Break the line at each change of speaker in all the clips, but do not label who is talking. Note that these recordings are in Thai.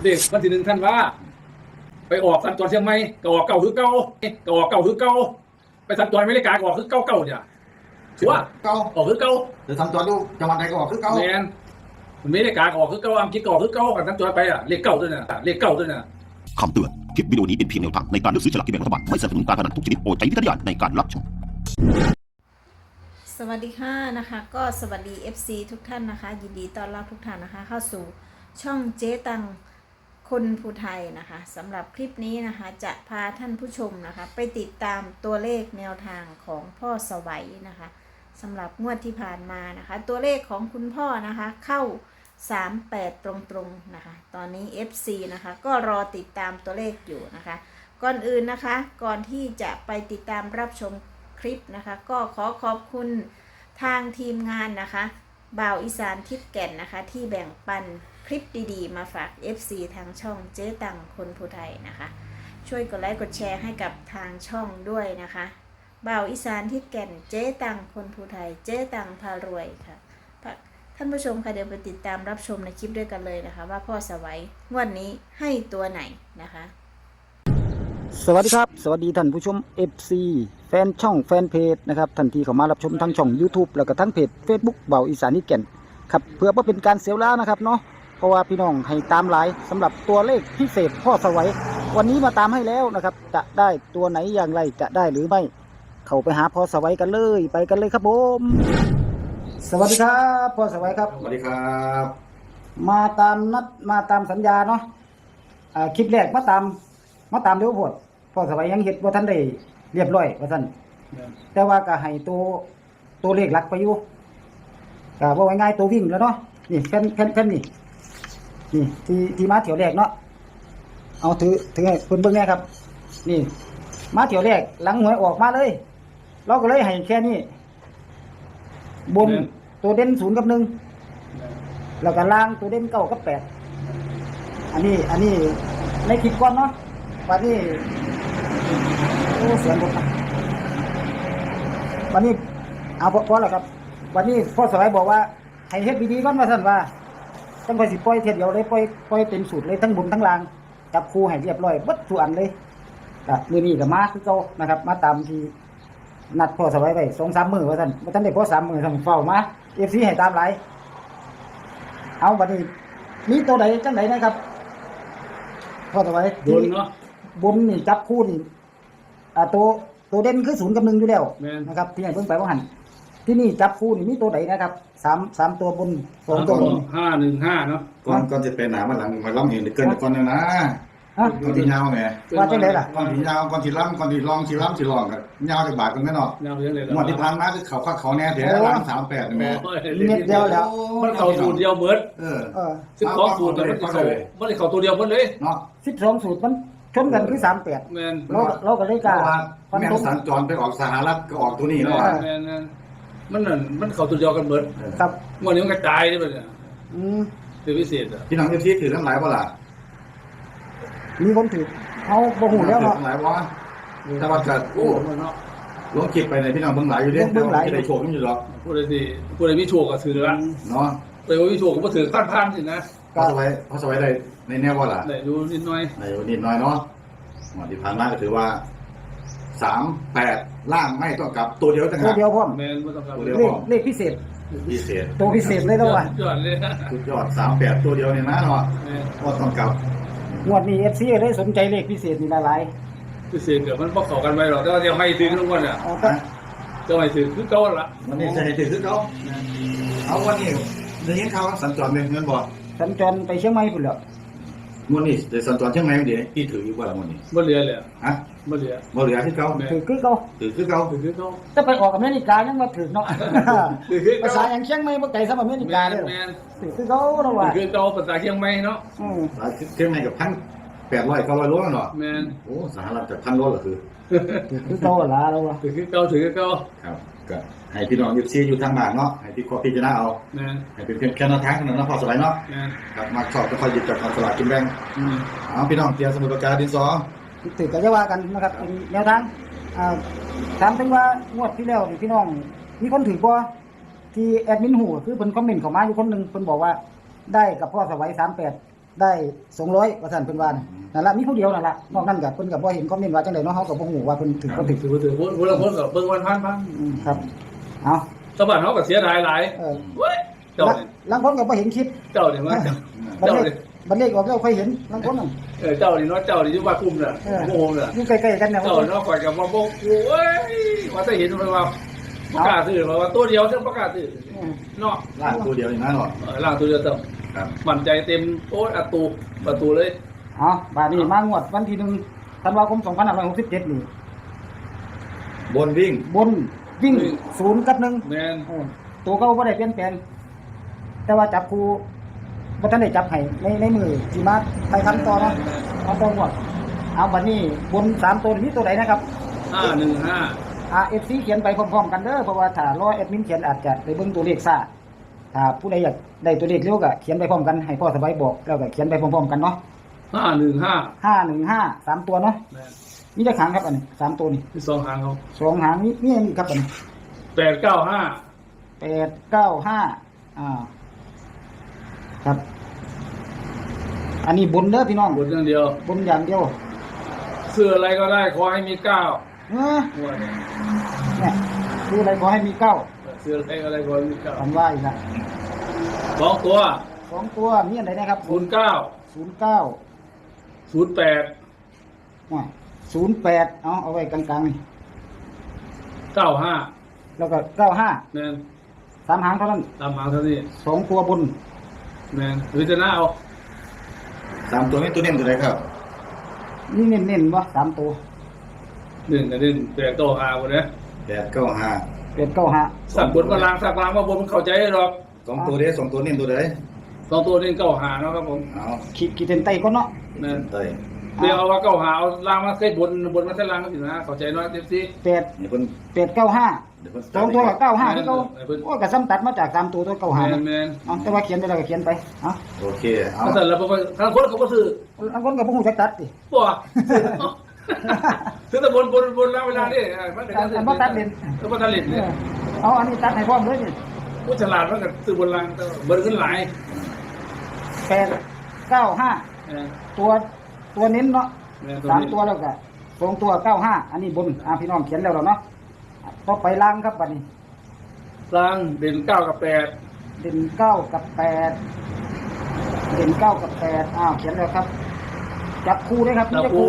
เด็กวันที่1 ธันวาไปออกสัญจรเชียงใหม่ก็ออกเก่าคือเก่าก็ออกเก่าคือเก่าไปสัญจรอเมริกาก็ออกคือเก่าเนี่ยชัวร์
เก่า
ออกคือเก่า
เดี๋ยวทำตัวดูจังหวัดใดก็ออกคือเก่า
แมนอเมริกาก็ออกคือเก่าอังกฤษก็ออกคือเก่ากันสัญจรไปเลขเก่าด้วยนะเลขเก่าด้วยนะ
คำเตือน คลิปวิดีโอนี้เป็นเพียงแนวทางในการเลือกซื้อฉลากกินแบ่งรัฐบาล ไม่สนับสนุนการพนันทุกชนิดโปรดใช้วิจารณญาณในการรับชม
สวัสดีค่ะนะคะก็สวัสดี FC ทุกท่านนะคะยินดีต้อนรับทุกท่านนะคะเข้าสู่ช่องเจ๊ตังคนภูไทยนะคะสำหรับคลิปนี้นะคะจะพาท่านผู้ชมนะคะไปติดตามตัวเลขแนวทางของพ่อสวัยนะคะสำหรับงวดที่ผ่านมานะคะตัวเลขของคุณพ่อนะคะเข้า38ตรงๆนะคะตอนนี้ FC นะคะก็รอติดตามตัวเลขอยู่นะคะก่อนอื่นนะคะก่อนที่จะไปติดตามรับชมคลิปนะคะก็ขอขอบคุณทางทีมงานนะคะบ่าวอีสานทิศแก่นนะคะที่แบ่งปันคลิปดีๆมาฝาก FC ทางช่องเจ๊ตังคนภูไทยนะคะช่วยกดไลค์กดแชร์ให้กับทางช่องด้วยนะคะบ่าวอีสานทิศแก่นเจ๊ตังคนภูไทยเจ๊ตังพารวยค่ะท่านผู้ชมค่ะเดี๋ยวไปติดตามรับชมในคลิปด้วยกันเลยนะคะว่าพ่อสวัยงวดนี้ให้ตัวไหนนะคะ
สวัสดีครับสวัสดีท่านผู้ชม FC แฟนช่องแฟนเพจนะครับทันทีเข้ามารับชมทั้งช่อง YouTube แล้วก็ทั้งเพจ Facebook เบาอีสานนิแก่นครับเพื่อว่าเป็นการเสียเวลานะครับเนาะเพราะว่าพี่น้องให้ตามหลายสำหรับตัวเลขพิเศษพ่อสวัยวันนี้มาตามให้แล้วนะครับจะได้ตัวไหนอย่างไรจะได้หรือไม่เข้าไปหาพ่อสวัยกันเลยไปกันเลยครับผมสวัสดีครับพ่อสวัยครับ
สวัสดีครับ
มาตามนัดมาตามสัญญาเนาะคลิปแรกมาตามเร็วโพดพ่อสวัยยังเฮ็ดบ่ทันได้เรียบร้อยว่าซั่นแต่ว่าก็ให้ตัวเลขหลักไปอยู่ก็บ่ง่ายๆตัววิ่งแล้วเนาะนี่แผ่นนี่ที่มาเที่ยวแรกเนาะเอาถือให้เพิ่นเบิ่งแน่ครับนี่มาเที่ยวแรกหลังหวยออกมาเลยเราก็เลยให้แค่นี้บนตัวเด่น0 กับ 1แล้วก็ล่างตัวเด่น9 กับ 8อันนี้ในคลิปก่อนเนาะวันนี้โอ้เสียงผมวันนี้เอาพอแล้วครับวันนี้พ่อสวัยบอกว่าให้เฮ็ดดีๆก่อนว่าซั่นว่าจังค่อยสิปล่อยเทียเดียวเลยปล่อยเต็มสูตรเลยทั้งบนทั้งล่างจับคู่ให้เรียบร้อยเบิดทุกอันเลยก็มื้อนี้ก็มาคือเก่านะครับมาตามที่นัดพ่อสวัยไว้ 2-3 มื้อว่าซั่นบ่ทันได้พอ3 มื้อซั่นเฝ้ามา FC ให้ตามหลายเอาบัดนี้มีตัวใดจังไดนะครับพ่อสวัย
บนเนาะ
บนนี่จับคู่นี่ตัวเด่นคือ0 กับ 1อยู่แล้ว
แม่น
นะครับที่ให้เบิ่งไปว่าหั่นที่นี่จับคู่นี่มีตัวใดนะครับ3ตัวบน2ตัวบน
515เนาะ
ก่อนจะไปหนามาหลังมาล้ำเห็นเกินก่อนนะ
ฮะ
ก่อนที่ยาวไง
ว่าจังไดล่ะ
ก่อนที่ยาวก่อนที่ล้ำก่อนที่ลองที่ล้ำที่ลองกันยาวจากบาทกันแน่นอน
ยาวเยอะเลย
งวดที่ผ่านมาคือเขาแน่เดี๋ยวล้าง38นี่แม่
เม็ดเดียวแล้ว
มันเข้าสูตรเดียวเบิด
เออ
12สูตรแต่มันเข้ามันเข้าตัวเดียวเบิดเลย
เนาะ
12สูตรมันชนกันคือ38
แมน
เราก็เลย
เพ
กล้า
ราะว่า
ฟัน
แม่
ธง
สัญจรไปออกสหรัฐก็ออกตัวนี้แล้วอ่ะ
แมนมันเข้าตัวเดียวกันเบิด
ครับ
วันนี้มันกระจายนี่มันเนี่ย
อืม
คือพิเศษอ่ะ
พี่น้องที่ถือทั้งหลายบ่ล่ะ
มีคนถือเอาบ่ฮู้แล้วเนาะ
ทั้งหลายบ่แต่ว่าก็
โอ้
โอ้
มันเนาะ
ลงคลิปไปในพี่น้องเบิ่งหลายอยู่เด้ที่ได้โชคอยู่หรอก
ผู้ใดมีโชคก็ถือละ
เนาะ
ไปว่ามีโชคก็บ่ถือพันสินะ
พอสบายได้ในแนวบ่ล่ะ
ได้ดูนิดหน่อย
ในนิดหน่อยเนาะงวดที่ผ่านมาก็ถือว่า38ล่างไม่ต้องกลับตัวเดียวต่าง
ตัว
หาก
เดียวพร้อม
แมนบ่ต้องการ
เลขพิเศษ
พิเศษ
ตัวพิเศษเลยแล้วว่ะ
ยอดเลยนะ
สุดยอด38ตัวเดียวเนี่ยนะเนาะ
แม่น
ก็ต้องกลับ
งวดนี้ FC เลยสนใจเลขพิเศษนี่หลาย
พิเศษเดี๋ยวมันบ่เข้ากันไว้หรอกแต่ว่าจะให้ถือทุกวันอ่ะ
ๆเอาก็
จะให้ถือคือเก่าละ
วันนี้จะให้ถือคือเขาเอาวันนี้ได้ยินข่าวว่าสัญจรเป็นเงินบ่
สัญจรไปเชียงใหม่พุ่นแล้ว
วันนี้จะสัญจรเชียงใหม่เดี๋ยวที่ถืออยู่บ่ล่ะวันนี้
บ่เหลือเลย
ฮะ
บ่เหลือ
บ่เหลือที่เขา
ถือคือเก่า
ถือคือเขา
ถือเก่า
จะไปออกอเมริกายังมาถือเนาะ
ถือคือ
ภา
เก่า
ษาอย่างเชียงใหม่บ่ไกลสำหรับอเมริกาเด้อ
แม่น
ถือคือเขาเนาะว่า
ถือคือเก่าภาษาเชียงใหม่เนาะ
เชียงใหม่กับ1,800 900โลเนาะ
แม่น
โอ้สหรัฐจาก1,000 โลก็คือ
ถือคือเขาล่ะเราว่า
ถือคือเก่าถือคือเก่า
ครับก็ให้พี่น้องอยู่ทางบ้านเนาะให้พี่ขอพิจารณาเอา
แม่น
ให้เป็นเพียงแค่แนวทางเท่านั้นเนาะพอสบายเนาะ
แม่น
ครับมาชอบก็ค่อยหยิบจากกองสลากกินแบ่ง
อืม
เอาพี่น้องเตรียมสมุดปากกาดินสอ
ถือก็จะว่ากันนะครับเป็นแนวทางถามถึงว่างวดที่แล้วนี่พี่น้องมีคนถือบ่ที่แอดมินหูคือเพิ่นคอมเมนต์เข้ามาอยู่คนหนึงเพิ่นบอกว่าได้กับพ่อสวัย38 ได้200ว่าซั่นเพิ่นว่านั่นล่ะมีผู้เดียวนั่นล่ะนอกนั้นก็เพิ่นก็บ่เห็นคอมเมนต์ว่าจังได๋เนาะเฮาก็บ่ฮู้ว่าเพิ่นถึงบ่ถึง
ถือคนละคนกับเบิ่งวันพัน
ครับเอา
สบัดเขาก็เสียดายหลาย
เออ
เว้ยเจ้าเนี่ย
ลางคนก็บ่เห็นคลิป
เจ้าเนี่ยว่า
บัด
เจ้า
เล
เนี่
ข
ย
บัดเลขออกแล้วค่อยเห็นลางคนนั่น
เจ้านี่เนาะเจ้านี่อยู่บ้านคุ้มน่ะโง่น่ะ
อยู่ใกล้ๆกันเนี่ย
เจ้าเนาะข่อยกับว่าบ่โอ้ยว่าจะเห็นมันว่าประกาศซื้อว่าตัวเดียวซึ่งประกาศซื้อเนาะ
ล่างตัวเดียวอย่างนั้นหรอ
ล่างตัวเดียวเต็ม
ครับ
มั่นใจเต็มโอ้ยประตูเลย
อ๋อบาดนี้มางวดวันที่1ธันวาคม2567นี่
บนวิ่ง
บนวิ่ง0กับ1
แม่น
ตัวเก่าบ่ได้เปลี่ยนแปลงแต่ว่าจับคู่บ่ทันได้จับให้ในมือสิมาไปคันต่อเนาะเอาตรงหมดเอาบัดนี้บน3ตัวนี้ตัวใดนะครับ
515
FC เขียนไปพร้อมๆกันเด้อเพราะว่าถ้ารอแอดมินเขียนอาจจะได้เบิ่งตัวเลขซ่าถ้าผู้ใดอยากได้ตัวเลขเร็วก็เขียนไปพร้อมกันให้พ่อสบายบอกแล้วก็เขียนไปพร้อมๆกันเนาะ
515
515 3ตัวเนาะ
แม่น
มีจักหางครับอันนี้3ตัวนี่
ที่สองหางเขา
2หางมีอันนี้ครับอันนี้
895
895ครับ อันนี้บนเด้อพี่น้อง
บนอย่างเดียว
บนอย่างเดียว
เสื้ออะไรก็ได้ขอให้มี9
เนี่ยคืออะไรขอให้มี9
เสื้ออะไรก็ได้ขอให้มี
คำว่าอีกนะ
9 2ตัว
2ตัวมีอันไหนนะครับ
09
09
08
08เอาไว้กลางๆนี่
95
แล้วก็95
แม่น
3หางเท่านั้น
ตามหางเท่านี้
2ตัวบน
แม่นหรือจะหน้าเอา
3ตัวนี้ตัวเน้นตัวไหนครับ
นี่เน้นๆบ่3ตัว
1กับ1 8ตัว5บ่เด้
895
895
สักบนมาล้างสักล้างมาบนมันเข้าใจหรอก
2ตัวเด้2ตัวเน้นตัวไหน
2ตัวนี้95เนาะครับผม
เอา
ขีดเส้นใต้ก่อนเนาะ
แม่น
เต้ย
เดี๋ยวเอาว่า95เอาล้างมาใส่บนมาใส่ล้างก็สินะเข้าใจเนาะ FC
8
นี่เพิ่น
895
เดี๋ยวเพิ่น
2ตัวกับ95คือเก่าโอ้ก็ซ้ำตัดมาจาก3ตัวตัว95
แม่
นะ
นแม่น
เอาแต่ว่าเขียนไปแล้วก็เขียนไปเอา
โอเคเอา
ถ้าแต่ละทางคนเขาก็ซื้อบ
างคนก็บ่ฮู้จักตัดติ
บ่ซื้อแต่บนแล้วเวลานี่มัน
อันบ่ตัดเล่น
บ่ตัดเล่นเนี่ย
เอาอันนี้ตัดให้พร้อมเลยนี่
ผู้ฉลาดมันก็ซื้อบนล่างเบิ่งขึ้นหลาย
895 ตัวเน้นเนาะ
แม่น
3ตัวแล้วก็2ตัว95อันนี้บนพี่น้องเขียนแล้วเนาะต่อไปล่างครับบัดนี้
ล่างเด่น9กับ8
เด่น9กับ8เด่น9กับ8เขียนแล้วครับ จับคู่ด้วยครับ
ตะ
จับ
ปู
คู่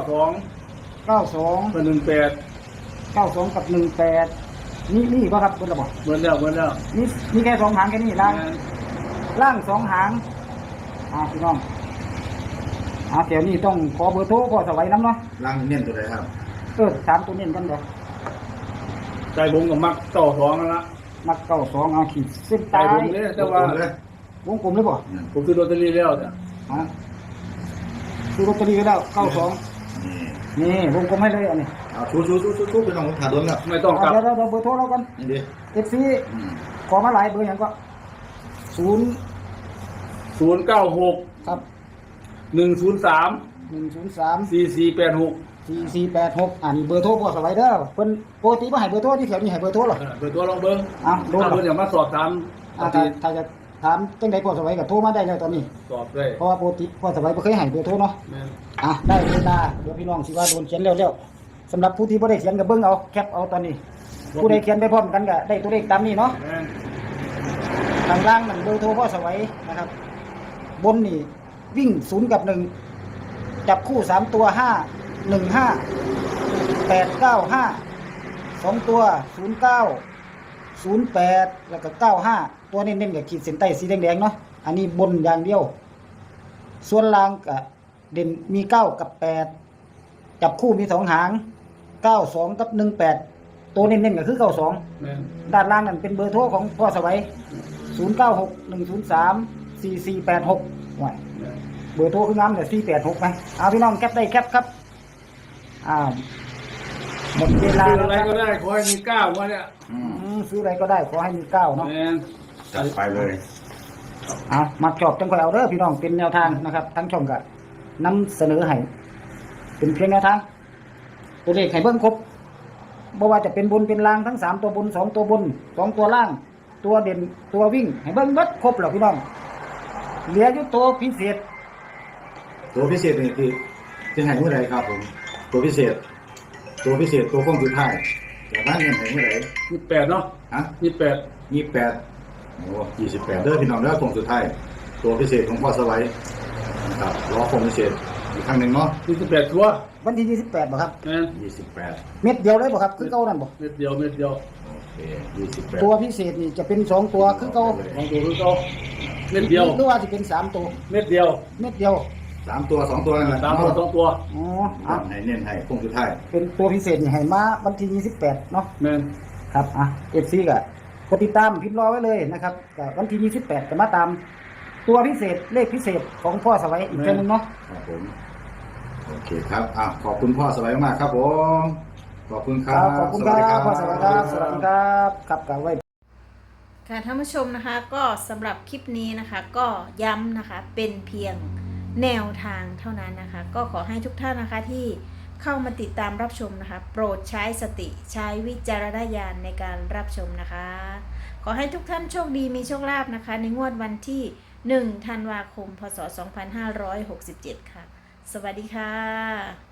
92
92
เป็น18
กับ18นี่บ่ครับเพิ่นละบ่
เหมือนแล้ว
มีแค่2หางแค่นี้ล่าง2หางพี่น้องเดี๋ยวนี้ต้องขอเบอร์โทรพ่อสวัยนำเนาะ
ล่างเน้นตัวไหนครับ
3ตัวเน้นกันเด้อ
ใจบุงกับมัก92นั่นละ
มัก92เอาขีดเส้น
ใจ
ใต้
บุงเนี่ยแต่ว่า
เลย
วงกลมเลยบ่
ผมซื้อลอตเตอรี่แล้วจ้ะ
ซื้อลอตเตอรี่ก็ได้92
นี่
นี่วงกลมให้เลยอันนี้
เอาชูไปน้องถ่าโดนแล้ว
ไม่ต้องกลับ
เดี๋ยวเบอร์โทรเรากัน
นี่ดิ
FC ขอมาหลายเบอร์หยังก็
096
ครับ
103
103
4486
4486นี่เบอร์โทรพ่อสวัยเด้อเพิ่นปกติบ่ให้เบอร์โทรที่แถวนี้ให้เบอร์โทรหรอ
เปิดตัวลองเบิ้ง
โดน
ถ้าเพิ่นอยากมาสอบถาม
ถ้าจะถามจังไดพ่อสวัยก็โทรมาได้แล้วตอนนี้
สอบได้
เพราะว่าปกติพ่อสวัยบ่เคยให้เบอร์โทรเนาะ
แม่น
ได้เวลาเดี๋ยวพี่น้องสิว่าโดนเขียนเร็วๆสำหรับผู้ที่บ่ได้เขียนก็เบิ่งเอาแคปเอาตอนนี้ ผู้ใดเขียนไปพร้อมกันก็ได้ตัวเลขตามนี้เนาะ
แม่น
ทางล่างนั่นเบอร์โทรพ่อสวัยนะครับ บนนี่วิ่ง0กับ1จับคู่3ตัว5 1 5 8 9 5 2ตัว09 08แล้วก็95ตัวเน้นๆกับขีดเส้นใต้สีแดงๆเนาะอันนี้บนอย่างเดียวส่วนล่างก็เด่นมี9กับ8จับคู่มี2หาง92กับ18ตัวเน้นๆก็คือ92
แม่น
ด้านล่างนั่นเป็นเบอร์โทรของพ่อสวัย0961034486ว่าเบอร์โทรคืองามแต่486ไหมเอาพี่น้องแคปได้แคปครับหมดเวลา
ซื้อ
แล้ว
อะไร
ครับ
ก็ได้ขอให้มี9ว่าเนี่ย
ซื้ออะไรก็ได้ขอให้มี9เนาะ
แม่น
จัดไปเลย
มาชอบจังค่อยเอาเด้อพี่น้องเป็นแนวทางนะครับ ทั้งช่องก็นำเสนอให้เป็นเพียงแนวทางตัวเลขให้เบิ่งครบบ่ว่าจะเป็นบนเป็นล่างทั้ง3ตัวบน2ตัวบน2ตัวล่าง ตัวเด่นตัววิ่งให้เบิ่งเบิดครบแล้วพี่น้องเหลืออยู่ตัวพิเศษ
ตัวพิเศษนี่คือจะให้เมื่อไหร่ครับผมตัวพิเศษตัวคงสุดท้ายแต่บ้านเงินให้เมื่อไหร่
28เนาะ
ฮะ
28
28โอ้28เด้อพี่น้องเด้อคงสุดท้ายตัวพิเศษของพ่อสวัยนะครับรอคงพิเศษอีกครั้งหนึ่งเนาะ
28ตัว
วันที่28บ่ครับ
แม่น
28
เม็ดเดียวเลยบ่ครับคือเก่านั่นบ่
เม็ดเดียว
โอเค28
ตัวพิเศษนี่จะเป็น2ตัวคือเก่า
ของตัวคือเก่าเม็ดเดียว
หรือว่าสิเป็น3ตัว
เม็ดเดียว
เม็ดเดียว
3 ตัว 2 ตัวนั่นแหละ
3ตัว2ตัว
อ๋อ
อ่ะ
อ่ะ
ให้เน้นให้คงสุดท้าย
เป็นตัวพิเศษนี่ให้มาวันที่28เนาะ
แม่น
ครับอ่ะ FC ก็กดติดตามพิมพ์รอไว้เลยนะครับก็วันที่28จะมาตามตัวพิเศษเลขพิเศษของพ่อสวัยอีกเทื่อนึงเนาะ
ครับผมโอเคครับขอบคุณพ่อสวัยมากครับผมขอบคุณค
ค
รั
รั
บบ
ขอบคุณครับพ่อสวัยครับสวัสดีครับครับกับไว้
ค่ะท่านผู้ชมนะคะก็สำหรับคลิปนี้นะคะก็ย้ำนะคะเป็นเพียงแนวทางเท่านั้นนะคะ ก็ขอให้ทุกท่านนะคะที่เข้ามาติดตามรับชมนะคะ โปรดใช้สติใช้วิจารณญาณในการรับชมนะคะ ขอให้ทุกท่านโชคดีมีโชคลาภนะคะ ในงวดวันที่1 ธันวาคม พศ 2567 ค่ะ สวัสดีค่ะ